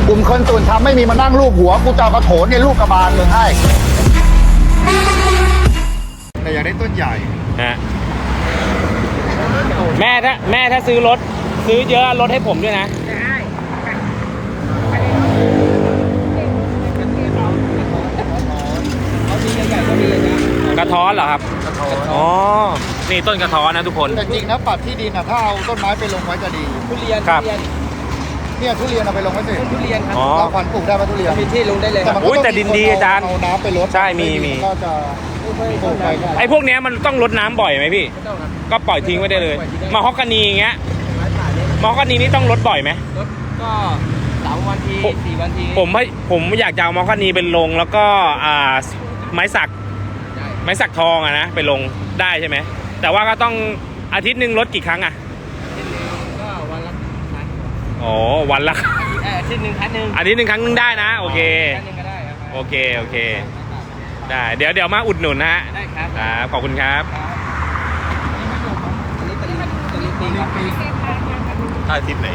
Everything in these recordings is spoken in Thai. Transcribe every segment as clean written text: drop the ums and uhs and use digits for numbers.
กลุ่มคนส่วนทำไม่มีมานั่งรูปหัวกูจะเอากระโถนเนี่ยรูปกระบาลมึงให้แต่อยากได้ต้นใหญ่ฮะแม่ถ้าซื้อรถซื้อเยอะลดให้ผมด้วยนะกระท้อนเหรอครับอ๋อนี่ต้นกระท้อนนะทุกคนแต่จริงนะปัดที่ดินนะถ้าเอาต้นไม้ไปลงไว้จะดีทุเรียนครับเนี่ยทุเรียนเอาไปลงไว้สิทุเรียนครับเราขวัญปลูกได้ไหมทุเรียนมีที่ลงได้เลยแต่ดินดีอาจารย์เอาน้ำไปลดใช่มีก็จะปลูกไปไอ้พวกนี้มันต้องรดน้ำบ่อยไหมพี่ก็ปล่อยทิ้งไว้ได้เลยมาฮอกกานีอย่างเงี้ยมาฮอกกานีนี่ต้องรดบ่อยไหมรดก็3 วันที4 วันทีผมอยากจะเอามาฮอกกานีเป็นลงแล้วก็ไม้สักทองอะนะไปลงได้ใช่ไหมแต่ว่าก็ต้องอาทิตย์หนึ่งรดกี่ครั้งอะก็วันละครั้งอ๋อวันละอาทิตย์หนึ่งครั้งหนึ่งอาทิตย์หนึ่งครั้งนึงได้นะโอเคครั้งนึงก็ได้โอเคได้เดี๋ยวมาอุดหนุนนะฮะได้ครับขอบคุณครับอันนี้ตะลิงปิงครับถ้าอาทิตย์ไหน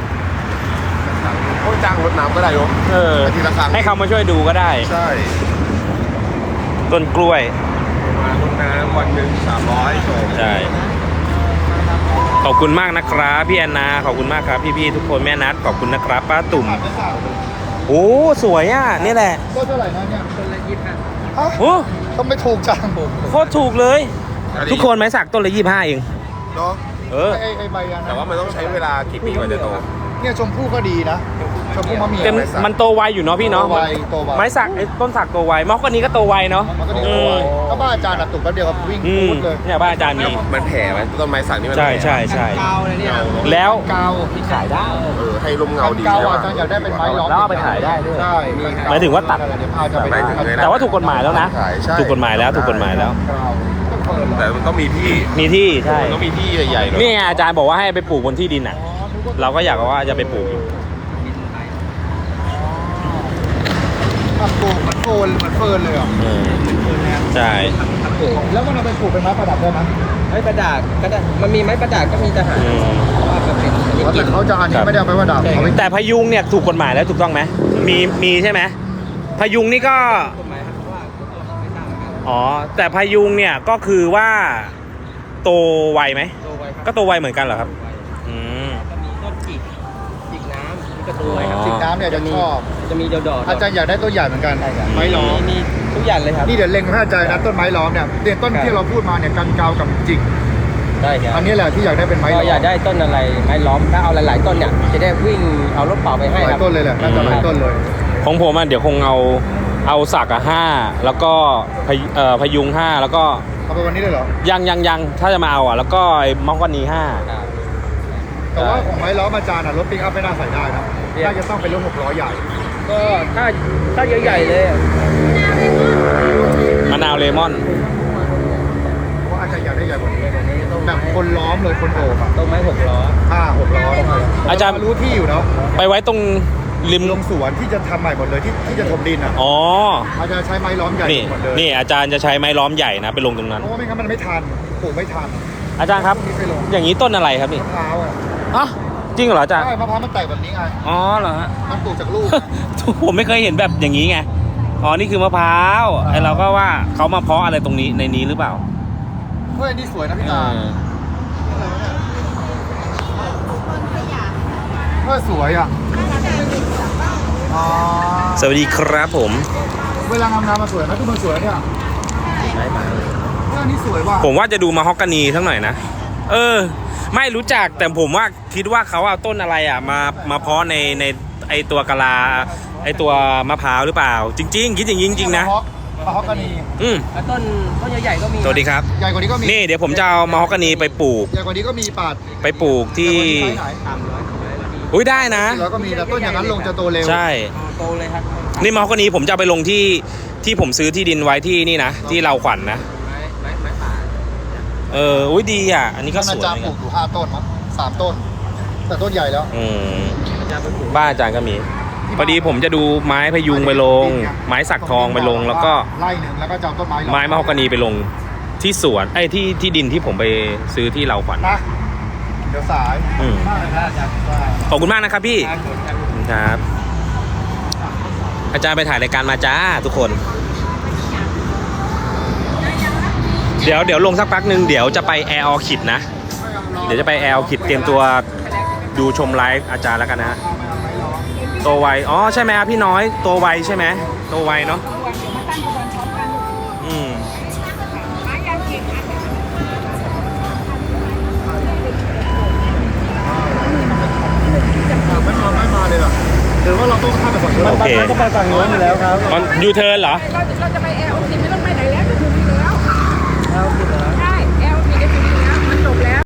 เขาจ้างรถน้ำก็ได้ยกทีละครั้งให้เขามาช่วยดูก็ได้ใช่ต้นกล้วยมารถน้ำวันหนึ่ง300 ใช่ขอบคุณมากนะครับพี่แอนนาขอบคุณมากครับพี่ๆทุกคนแม่นัทขอบคุณนะครับป้าตุ่มโอ้สวยอ่ะนี่แหละต้นเท่าไหร่นะเนี่ยต้นละ25 โอ้ต้องไม่ถูกจังโคตรถูกเลยทุกคนไม้สักต้นละ25เองเนาะไอ้ใบยันแต่ว่ามันต้องใช้เวลากี่ปีกว่าจะโตเนี่ยชมพู่ก็ดีนะชมพู่มะเมียมันโตไวอยู่เนาะพี่เนาะไม้สักต้นสักโตไวมอกกว่านี้ก็โตไวเนาะก็บ้านอาจารย์ตุ่มแป๊บเดียววิ่งพูดเลยเนี่ยบ้านอาจารย์มีมันแผ่ไหมต้นไม้สักนี่มันใช่กาวเลยเนี่ยแล้วกาวที่ขายได้ให้ร่มเงาดีกาวอาจารย์อยากได้เป็นไม้ล้อมแล้วเอาไปขายได้ด้วยใช่หมายถึงว่าตัดแต่ว่าถูกกฎหมายแล้วนะถูกกฎหมายแล้วแต่มันต้องมีที่ใช่ต้องมีที่ใหญ่ๆนี่อาจารย์บอกว่าให้ไปปลูกบนที่ดินอ่ะเราก็อยากว่าจะไปปลูกอยู่ปลูกมันโคนมันเฟิร์นเลยเหรอใช่แล้วมันเอาไปปลูกเป็นไม้ประดับได้ไหมไม้ประดับก็ได้มันมีไม้ประดับก็มีทหารแต่เขาจะอันนี้ไม่ได้เอาไปประดับแต่พยุงเนี่ยถูกกฎหมายแล้วถูกต้องไหมมีใช่ไหมพยุงนี่ก็อ๋อแต่พยุงเนี่ยก็คือว่าโตไวไหมก็โตไวเหมือนกันเหรอครับก็มีต้นจิกน้ำก็โตไวครับจิกน้ำเนี่ยจะชอบจะมีดอกอาจารย์อยากได้ต้นใหญ่เหมือนกันไม้ล้อมมีทุกอย่างเลยครับนี่เดี๋ยวเล็งให้อาจารย์นะต้นไม้ล้อมเนี่ยต้นที่เราพูดมาเนี่ยกันเกากับจิกได้ครับอันนี้แหละที่อยากได้เป็นไม้ล้อมอยากได้ต้นอะไรไม้ล้อมถ้าเอาหลายๆต้นเนี่ยจะได้วิ่งเอารถเปล่าไปให้ครับหลายต้นเลยแหละน่าจะหลายต้นเลยของผมเดี๋ยวคงเอาสัก5แล้วก็พยุง5แล้วก็เอาไปวันนี้เลยเหรอยังถ้าจะมาเอาแล้วก็มอกกานี5 แต่ว่าของไม้ล้อมอาจารย์รถปิกอัพไม่น่าใส่ได้นะน่าจะต้องเป็นรถ6 ล้อใหญ่ก็ถ้าใหญ่ๆเลยมะนาวเลมอนเพราะอาจารย์อยากได้ใหญ่กว่านี้แบบคนล้อมเลยคนโอบต้นไม้6 ล้อ 6 ล้ออาจารย์รู้ที่อยู่เนาะไปไว้ตรงริมลงสวนที่จะทำใหม่หมดเลยที่จะถมดินอ๋ออาจารย์ใช้ไม้ล้อมใหญ่หมดเลยนี่อาจารย์จะใช้ไม้ล้อมใหญ่นะไปลงตรงนั้นเพราะว่าไม่งั้นมันไม่ทันปลูกไม่ทันอาจารย์ครับอย่างนี้ต้นอะไรครับนี่มะพร้าวอ๋อจริงเหรออาจารย์ใช่มะพร้าวมันแตกแบบนี้ไงอ๋อเหรอฮะมันปลูกจากลูกผมไม่เคยเห็นแบบอย่างนี้ไงอ๋อนี่คือมะพร้าวไอเราก็ว่าเขามาเพาะอะไรตรงนี้ในนี้หรือเปล่าเฮ้ยนี่สวยนะพี่ตาสวยอ่ะสวัสดีครับผมเวลางามมาสวยนะทุกคนสวยเนี่ยนี่สวยว่ะผมว่าจะดูมาฮอกกานีทั้งหน่อยนะไม่รู้จักแต่ผมว่าคิดว่าเขาเอาต้นอะไรมาเพาะในไอตัวกะลาไอตัวมะพร้าวหรือเปล่าจริงๆคิดอย่างนี้จริงๆนะมาฮอกกานีต้นใหญ่ๆก็มีสวัสดีครับใหญ่กว่านี้ก็มีนี่เดี๋ยวผมจะเอามาฮอกกานีไปปลูกใหญ่กว่านี้ก็มีปัดไปปลูกที่อุ้ยได้นะแล้วก็มีแต่ต้นอย่างนั้นลงจะโตเร็วใช่โตเลยครับนี่มาฮอกกานีผมจะไปลงที่ผมซื้อที่ดินไว้ที่นี่นะที่เราขวัญนะไม้ป่าอุ้ยดีอ่ะอันนี้ก็สวยอาจารย์ปลูกอยู่5 ต้นมั้ง3 ต้นแต่ต้นใหญ่แล้วบ้านอาจารย์ก็มีพอดีผมจะดูไม้พยุงไปลงไม้สักทองไปลงแล้วก็ไล่หนึ่งแล้วก็จะต้นไม้มะฮอกกานีไปลงที่สวนที่ดินที่ผมไปซื้อที่เราขวัญนะเดี๋ยวสายมากเลยนะอาจารย์ขอบคุณมากนะครับพี่ครับอาจารย์ไปถ่ายรายการมาจ้าทุกคน เดี๋ยวลงสักพักหนึ่งเดี๋ยวจะไปแอร์ออคิดนะ เดี๋ยวจะไปแอร์ออคิดเตรียมตัวดูชมไลฟ์อาจารย์แล้วกันนะฮะตัวไวอ๋อใช่ไหมครับพี่น้อยตัวไวใช่ไหมตัวไวเนาะอืมไม่มาเลยเหรอหรือว่าเราต้องข้ามไปฝั่งนู้นโอเคต้องไปฝั่งนู้นอยู่แล้วครับตอนยูเทิร์นเหรอเราจะไปแอลสิไม่ต้องไปไหนแล้วจะถึงอยู่แล้วใช่แอลสิจะถึงอยู่แล้วมันจบแล้ว